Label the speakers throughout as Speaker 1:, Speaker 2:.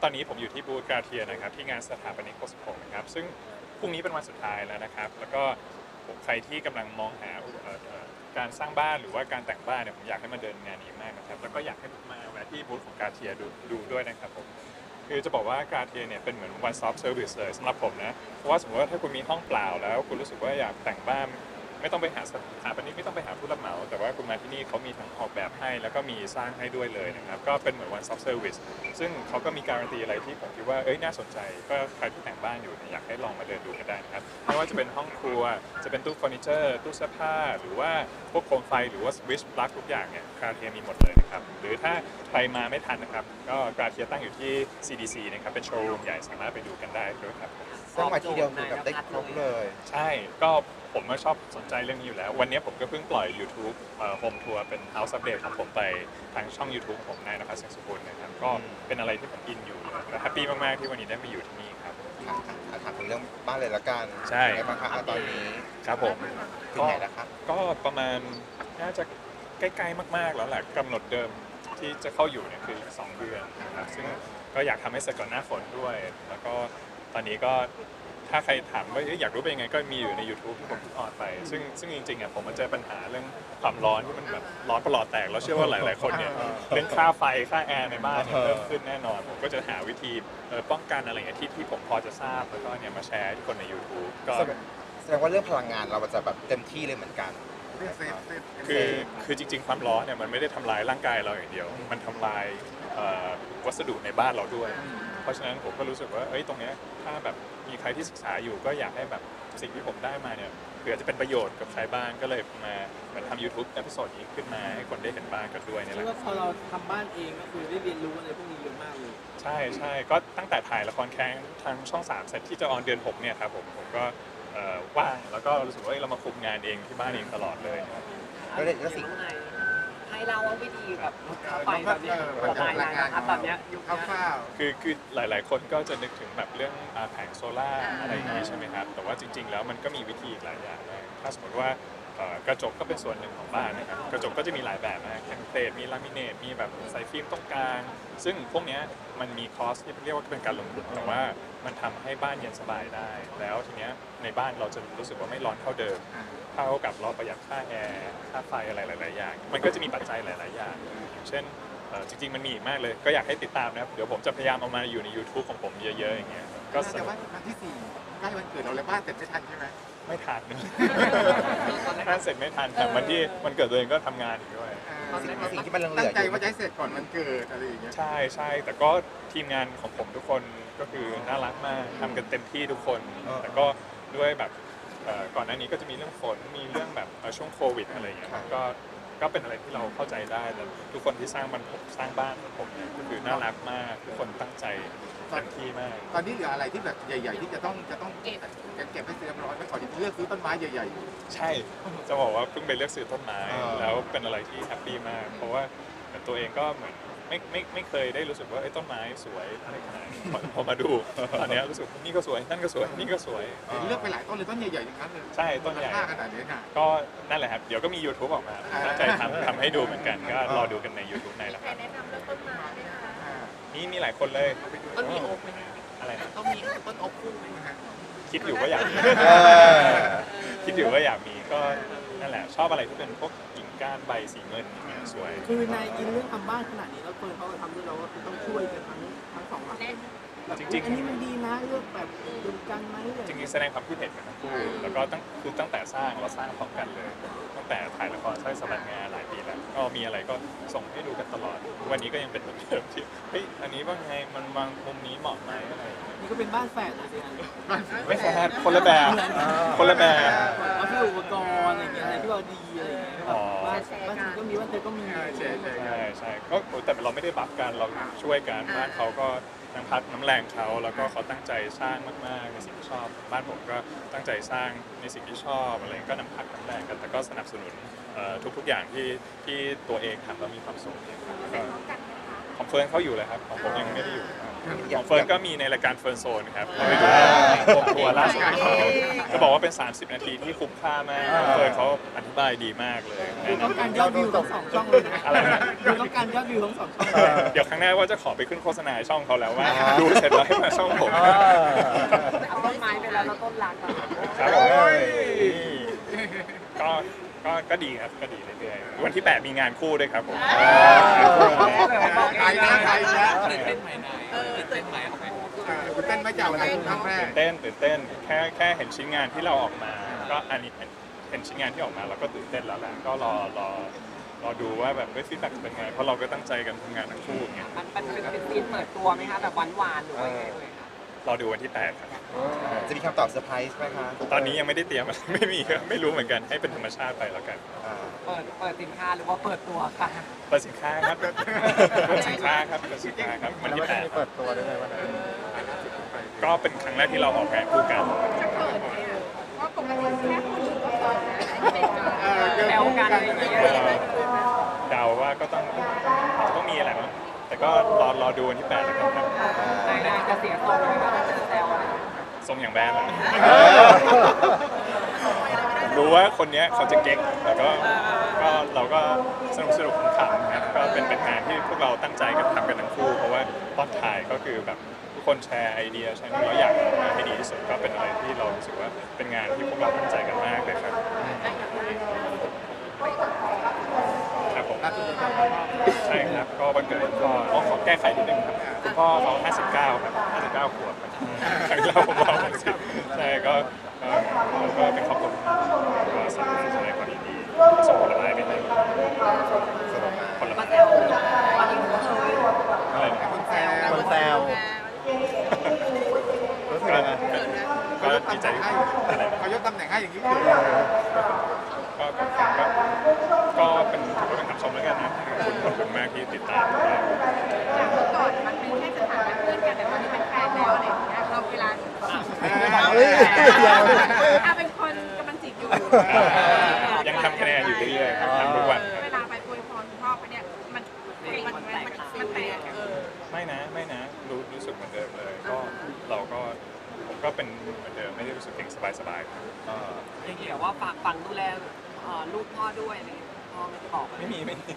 Speaker 1: อนนี้ผมอยู่ที่บูธกาเทียนะครับที่งานสถาปนิก66นะครับซึ่งพรุ่งนี้เป็นวันสุดท้ายแล้วนะครับแล้วก็ใครที่กำลังมองหาการสร้างบ้านหรือว่าการแต่งบ้านเนี่ยผมอยากให้มาเดินงานนี้มากนะครับแล้วก็อยากให้มาแวะที่บูธของกาเทียดูด้วยนะครับผมคือจะบอกว่ากาเทียเนี่ยเป็นเหมือน one stop service เลยสำหรับผมนะเพราะว่าสมมติว่าถ้าคุณมีห้องเปล่าแล้วคุณรู้สึกว่าอยากแต่งบ้านไม่ต้องไปหาสถาปนิกไม่ต้องไปหาผู้รับเหมาแต่ว่าคุณมาที่นี่เขามีทั้งออกแบบให้แล้วก็มีสร้างให้ด้วยเลยนะครับก็เป็นเหมือน one stop service ซึ่งเขาก็มีการันตีอะไรที่ผมคิดว่าน่าสนใจก็ใครที่แต่งบ้านอยู่เนี่ยอยากให้ลองมาเดินดูกันได้นะครับไม่ว่าจะเป็นห้องครัวจะเป็นตู้เฟอร์นิเจอร์ตู้เสื้อผ้าหรือว่าพวกโคมไฟหรือว่าสวิตช์ปลั๊กทุกอย่างเนี่ยกาเทียมีหมดเลยนะครับหรือถ้าใครมาไม่ทันนะครับก็กาเทียตั้งอยู่ที่ CDC นะครับเป็นโชว์รูมใหญ่สามารถไปดูกันได้ด้วยครับ
Speaker 2: สร้างมาทีเดียวคือแบบได้ครบเลย
Speaker 1: ใช่ก็ผมก็ชอบสนใจเรื่องนี้อยู่แล้ววันนี้ผมก็เพิ่งปล่อย YouTube Home Tour เป็น House Update ของผมไปทางช่อง YouTube ของผมนายนภัส เสียงสุพลนะครับก็เป็นอะไรที่ผมอินอยู่และแฮปปี้มากๆที่วันนี้ได้มาอยู่ที่นี่ครับ
Speaker 2: ถามถึงเรื่องบ้านเลยละกัน
Speaker 1: ใช่
Speaker 2: ไงบ้างคะตอนนี้
Speaker 1: ครับผม
Speaker 2: ถึงไหนแล้วครับ
Speaker 1: ก็ประมาณน่าจะใกล้ๆมากๆแล้วแหละกำหนดเดิมที่จะเข้าอยู่เนี่ยคือ2 เดือนนะครับซึ่งก็อยากทำให้เสร็จก่อนหน้าฝนด้วยแล้วก็ตอนนี้ก็ถ้าใครถามว่าอยากรู้เป็นยังไงก็มีอยู่ใน YouTube ที่ผมออนไปซึ่งจริงๆผมมาเจอปัญหาเรื่องความร้อนที่มันแบบร้อนประหลอดแตกแล้วเชื่อว่าหลายๆคนเนี่ยเรื่องค่าไฟค่าแอร์ในบ้านเนี่ยเพิ่มขึ้นแน่นอนผมก็จะหาวิธีป้องกันอะไรอย่างเงี้ยที่ผมพอจะทราบแล้วก็เนี่ยมาแชร์ให้คนใน YouTube ก็
Speaker 2: แสดงว่าเรื่องพลังงานเราจะแบบเต็มที่เลยเหมือนกัน
Speaker 1: คือจริงๆความร้อนเนี่ยมันไม่ได้ทำลายร่างกายเราอย่างเดียวมันทำลายวัสดุในบ้านเราด้วยเพราะฉะนั้นผมก็รู้สึกว่าตรงเนี้ยถ้าแบบมีใครที่ศึกษาอยู่ก็อยากให้แบบสิ่งที่ผมได้มาเนี่ยเผื่อจะเป็นประโยชน์กับใครบ้างก็เลยมาเหมือนทำ YouTube เอพิโซดนี้ขึ้นมาให้คนได้เห็นบ้างกันด้วยนี่แหละ
Speaker 3: พอเราทำบ้านเองก็คือได้เรียนรู้อะไรพวกนี้เยอะมากเลย
Speaker 1: ใช่ก็ตั้งแต่ถ่ายละครแค้งทางช่อง3เสร็จที่จะออนเดือน6เนี่ยครับผมก็ว่างแล้วก็รู้สึกว่าเรามาคุมงานเองที่บ้านเองตลอดเลย
Speaker 2: ก็เลยก็สิ่ง
Speaker 4: ให้เราว่าวิธีแบบไฟแบบนี้ประมาณนั้นนะครับตอนนี้ยุคคร่าว
Speaker 1: คือหลายๆคนก็จะนึกถึงแบบเรื่องแผงโซล่าอะไรอย่างนี้ใช่ไหมครับแต่ว่าจริงๆแล้วมันก็มีวิธีอีกหลายอย่างนะถ้าสมมติว่ากระจกก็เป็นส่วนหนึ่งของบ้านนะครับกระจกก็จะมีหลายแบบนะเทมเพลตมีลามิเนตมีแบบใส่ฟิล์มตรงกลางซึ่งพวกนี้มันมีคอสที่เรียกว่าเป็นการลงทุนแต่ว่ามันทำให้บ้านเย็นสบายได้แล้วทีเนี้ยในบ้านเราจะรู้สึกว่าไม่ร้อนเท่าเดิมเท่ากับเราประหยัดค่าแอร์ค่าไฟอะไรหลายๆอย่างมันก็จะมีปัจจัยหลายๆอย่างเช่นจริงๆมันมีอีกมากเลยก็อยากให้ติดตามนะครับเดี๋ยวผมจะพยายามเอามาอยู่ใน YouTube ของผมเยอะๆอย่างเงี้ย
Speaker 5: ก็แต่ว่าวันที่4ใกล้วันเกิดเราแล้วบ้านเสร็จไม่ทันใช่ไหม
Speaker 1: ไม่ทันบ้านเสร็จไม่ทันแต่วันเกิดตัวเองก็ทำงานอยู่ด้วย
Speaker 2: สิ่งที่มันเหลือ
Speaker 5: ตั้งใจว่าจะให้เสร็จก่อนวันเกิดอะไรอย่างเงี้ย
Speaker 1: ใช่แต่ก็ทีมงานของผมทุกคนก็คือน่ารักมากทำกันเต็มที่ทุกคนแต่ก็ด้วยแบบก่อนหน้านี้ก็จะมีเรื่องฝนมีเรื่องแบบช่วงโควิดอะไรอย่างเงี้ยก็เป็นอะไรที่เราเข้าใจได้แต่ทุกคนที่สร้างบ้านผมเนี่ยก็คือน่ารักมากทุกคนตั้งใจเต็มที่มาก
Speaker 5: ตอนนี้เหลืออะไรที่แบบใหญ่ๆที่จะต้องเก็บให้เรียบร้อยไว้ก่อนที่จะเลือกซื้อต้นไม้ใหญ่
Speaker 1: ๆใช่จะบอกว่าเพิ่งไปเลือกซื้อต้นไม้แล้วเป็นอะไรที่แฮปปี้มากเพราะว่าตัวเองก็เหมือนไม่เคยได้รู้สึกว่าต้นไม้สวยอะไรขนาดนี้พอมาดูตอนนี้รู้สึกนี่ก็สวยนั่นก็สวยนี่ก็สวย
Speaker 5: เลือกไปหลายต้นเลยต้นใหญ่ๆอย่างนั้นเลย
Speaker 1: ใช่ต้นใหญ่
Speaker 5: ขนาดนี้ค่ะ
Speaker 1: ก็นั่นแหละครับเดี๋ยวก็มี YouTube ออกมาตั้งใจทำให้ดูเหมือนกันก็รอดูกันใน YouTube ในละครับ
Speaker 4: แนะนำเรื่องต้นไม้ไหมคะ
Speaker 1: มีหลายคนเลย
Speaker 4: ต้นมีโอ๊กไหม
Speaker 1: อะไรนะ
Speaker 4: ต้องมีต้นโอ๊กคู่ไหม
Speaker 1: คิดอยู่ว่าอยากมีคิดอยู่ว่าอยากมีก็นั่นแหละชอบอะไรที่เป็นพวกกิ่งก้านใบสีเงินสวย
Speaker 3: คือในอินเรื่องทำบ้านขนาดนี้แล้วคนเขาทำด้วยเราก็คือต้องช่วยกันทั้งสองฝ่ายจริงๆอันนี้มันดีนะเลือกแบบดูกันไหม
Speaker 1: จริงๆแสดงความคิดเห็นกันทั้งคู่แล้วก็ตั้งแต่สร้างเราสร้างพร้อมกันเลยตั้งแต่ถ่ายละครใช้สบัดงานหลายปีแล้วก็มีอะไรก็ส่งให้ดูกันตลอดวันนี้ก็ยังเป็นเหมือนเดิมที่อันนี้ว่าไงมันวางมุมนี้เหมาะไหมอะไร
Speaker 3: นี่ก็เป็นบ้านแฝดเลยสิ
Speaker 1: ไม่แฝดคนละแบบ
Speaker 3: เอาที่อุปกรณ์อะไรเงี้ยอะไรที่เราดีอะไรเงี้ยบ้านฉันก็มีบ้านเธอก็มี
Speaker 1: ใช่ก็แต่เราไม่ได้บัฟกันเราช่วยกันบ้านเขาก็น้ำพักน้ำแรงเขาแล้วก็เขาตั้งใจสร้างมากๆในสิ่งที่ชอบบ้านผมก็ตั้งใจสร้างในสิ่งที่ชอบอะไรก็น้ำพักน้ำแรงกันแต่ก็สนับสนุนทุกๆอย่างที่ตัวเองทำแล้วมีความสุขก็ของเฟิร์นเขาอยู่เลยครับของผมยังไม่ได้อยู่ครับของเฟิร์นก็มีในรายการเฟิร์นโซนครับไปดูผมทัวร์ล่าสุดของเขาก็บอกว่าเป็น 30 นาทีที่คุ้มค่ามากเฟิร์นเขาอธิบายดีมากเลย
Speaker 3: คือต้องการยอดวิวทั้งสองช่องเลยนะ
Speaker 1: อะไรนะ
Speaker 3: คือต้องการยอดวิวทั้งสองช่องเลย
Speaker 1: เดี๋ยวครั้งหน้าว่าจะขอไปขึ้นโฆษณาช่องเขาแล้วว่าดูเสร็จแล้วให้มาช่องผม
Speaker 4: เอาต้นไม้ไปแล้วเราต้นรักอะ
Speaker 1: ครับผมก็ดีครับก็ดีเรื่อยๆวันที่ 8 มีงานคู่ด้วยครับผม
Speaker 5: ใครนะใครนะ
Speaker 1: ใช่ครับ
Speaker 5: คุณเต้นไหมจากอะไรครั้งแรก
Speaker 1: ตื่นเต้นแค่เห็นชิ้นงานที่เราออกมา ก็อันนี้เห็นชิ้นงานที่ออกมาเราก็ตื่นเต้นแล้วแหละก็รอดูว่าแบบฟีดแบ็กเป็นไงเพราะเราก็ตั้งใจกันทำงานทั้งคู่อย่างเงี้ย
Speaker 4: มันเป็นซีนเปิดตัวไหมคะแบบหวานๆหรือว่าไงเอ่ยคะ
Speaker 1: รอดูวันที่ 8 ครับ
Speaker 2: จะมีคำตอบเซอร์ไพรส์ไหมคะ
Speaker 1: ตอนนี้ยังไม่ได้เตรียมอะไร ไม่มีครับไม่รู้เหมือนกันให้เป็นธรรมชาติไปแล้วกัน
Speaker 2: อ่า
Speaker 4: เปิดสินค้าหรือว่าเปิดตัวค่ะ
Speaker 1: เปิดสินค้าครับเปิดสินค้าครับเปิดสินค้าครับวันที่ 8
Speaker 6: เปิดตัวด้วยไหมวันนั้น
Speaker 1: ก็เป็นครั้งแรกที่เราออกงานคู่กัน
Speaker 7: ว่าปกติแค่ผู้หญิงก็เปิดนะอันนี้เป็นการ
Speaker 4: แซวกันอะไรอย่างเงี้ย
Speaker 1: เดาว่าก็ต้องมีอะไรมั้งแต่ก็รอดูวันที่ 8 แล้วกันครับ
Speaker 4: ในจะเสียทรงเลยค่ะจะแซวอะไร
Speaker 1: ทรงอย่างแบดแหละรู้ว่าคนเนี้ยเขาจะเก๊กแต่ก็เราก็สนุกขำๆครับก็เป็นงานที่พวกเราตั้งใจกันทำกันทั้งคู่เพราะว่าตอนถ่ายก็คือแบบทุกคนแชร์ไอเดียใช่ไหมเราอยากทำงานให้ดีที่สุดก็เป็นอะไรที่เรารู้สึกว่าเป็นงานที่พวกเราตั้งใจกันมากเลยครับครับผมใช่ครับก็วันเกิดก็ขอแก้ไขนิดนึงครับคุณพ่อเขา59ครับ59ขวบครับครั้งที่เราผมบอก60ใช่ก็เป็นครอบครัวก็แสดงความยินดีส่งผลไม้ไปให้ผลไม้
Speaker 4: มาแซวตอนนี้ผมเคย
Speaker 1: อะไรนะครับ
Speaker 5: คนแซว
Speaker 6: คนแซวรู้สึกยังไง
Speaker 1: ก็ดีใจอะไรนะ
Speaker 5: เขายกตำแหน่งให้อย่างนี้
Speaker 1: ก็เป็นถือว่าเป็นคำชมแล้วกันนะขอบคุณมากที่ติดตามเรา
Speaker 7: จากเมื่อก่อนมันเป็นแค่สถานะเพื่อนกันแต่ตอนนี้เป็นแฟนแล้วอะไรอย่างเงี้ยเราเวลาเป็นคนกำลังจีบอยู่
Speaker 1: ยังทำคะแนนอยู่เรื่อยๆครับทำทุกวันครับ
Speaker 7: เวลาไปอวยพรคุณพ่อเขาเนี่ยมันแตก
Speaker 1: ไม่นะรู้สึกเหมือนเดิมเลยก็ผมก็เป็นเหมือนเดิมไม่ได้รู้สึกเก่งสบายๆครับ
Speaker 4: อย่างเงี้ยว่าฝังดูแลลูกพ่อด้วยอะไรพ่อไม่ได้บอก
Speaker 1: ไม่มี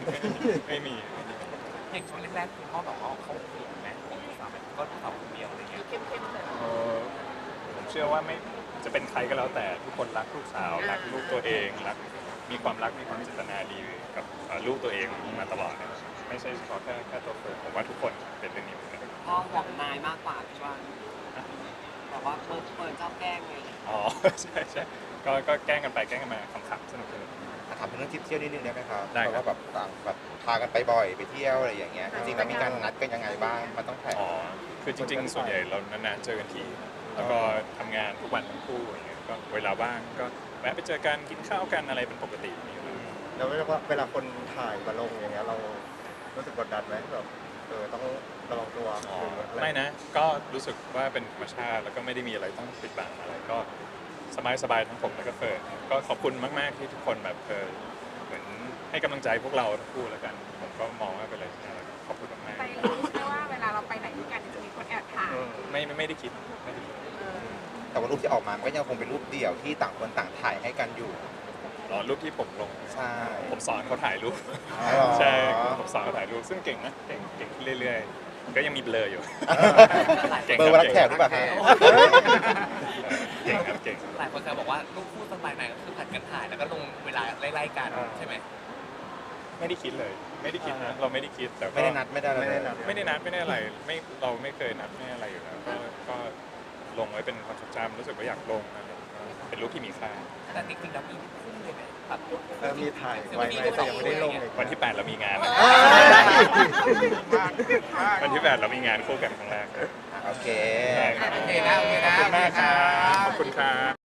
Speaker 8: อย่างช่วงแรกๆคุณพ่อบอกว่าเขาห่วงไหมสามีก็ลูกสาวคนเดียวอะไรเงี้ย
Speaker 1: ผมเชื่อว่าไม่จะเป็นใครก็แล้วแต่ทุกคนรักลูกสาวรักลูกตัวเองมีความรักมีความเจตนาดีกับลูกตัวเองมาตลอดนะไม่ใช่เฉพาะแค่ตัวเฟิร์นผมว่าทุกคนเป็นเรื่องนี้เหมือนกัน
Speaker 4: พ่อห่วงนายมากกว่าพี่ว่าแบบว่าเปิดชอบแกล้งไง
Speaker 1: อ๋อ ใช่ก็แกล้งกันไปแกล้งกันมาขำๆสนุก
Speaker 2: ถามถึงเรื่องทริปเที่ยวนิดนึงได้ไหมครับ
Speaker 1: ได้ครับ
Speaker 2: เพราะว่าแบบต่างแบบพากันไปบ่อยไปเที่ยวอะไรอย่างเงี้ยจริงๆแล้วมีการนัดกันยังไงบ้างมันต้องแผน
Speaker 1: อ๋อคือจริงๆส่วนใหญ่เรานานๆเจอกันทีแล้วก็ทำงานทุกวันทั้งคู่อย่างเงี้ยก็เวลาว่างก็แวะไปเจอกันกินข้าวกันอะไรเป็นปกติอยู่แล้ว
Speaker 6: แล้วเวลาคนถ่ายมาลงอย่างเงี้ยเรารู้สึกกดดันไหมแบบต้องระวังตัวหรืออะไร
Speaker 1: ไม่นะ ก็รู้สึกว่าเป็นธรรมชาติแล้วก็ไม่ได้มีอะไรต้องปิดบังอะไรก็สบายๆทั้งผมแล้วก็เฟิร์นก็ขอบคุณมากๆที่ทุกคนแบบเหมือนให้กำลังใจพวกเราทั้งคู่แล้วกันผมก็มองว่าเป็นอะไรที่น่ารักขอบคุณมาก
Speaker 7: ไปรู้ใช่ว่าเวลาเราไปไหนด้วยกันจะมีคนแอบถ่าย
Speaker 1: ๆไม่ได้คิด
Speaker 2: แต่ว่ารูปที่ออกมาก็ยังคงเป็นรูปเดี่ยวที่ต่างคนต่างถ่ายให้กันอยู่
Speaker 1: รอรูปที่ผมลง
Speaker 2: ใช่
Speaker 1: ผมสอนเขาถ่ายรูป
Speaker 2: อ๋อ
Speaker 1: ใช่ผมสอนเขาถ่ายรูปซึ่งเก่งนะเก่งขึ้นเรื่อยๆก็ยังมีเบลออยู่ก่ง
Speaker 2: เบอร์วันรับแขกหรือเปล่าฮะ
Speaker 1: เก่งครับเก่ง
Speaker 8: หลายคนจะบอกว่าลูกคู่สไตล์ไหนก็คือผัดกันถ่ายแล้วก็ลงเวลาไล่ๆกันใช่ไหม
Speaker 1: ไม่ได้คิดเลยไม่ได้คิดนะเราไม่ได้คิดแต่ก็
Speaker 2: ไม่ได้นัดไม่ได้อะไร
Speaker 6: ไม่ได้นัด
Speaker 1: ไม่ได้นัดไม่ได้อะไรเราไม่เคยนัดไม่อะไรอยู่แล้วก็ลงไว้เป็นความทรงจำรู้สึกว่าอยากลงนะเป็นรูปที่มีค่า
Speaker 8: แต่จริงๆแล้วมีคู่เลยไหมแบบ
Speaker 6: มีถ่ายไว้ไหมแต่ยังไม่ได้ลงเลย
Speaker 1: วันที่ 8 เรามีงานนะ
Speaker 6: อ่า
Speaker 1: วันที่ 8 เรามีงานคู่กันครั้งแรก
Speaker 2: โอเค
Speaker 1: ได้ครับ
Speaker 5: โอเคนะ
Speaker 1: ขอบคุณมากครับขอบคุณครับ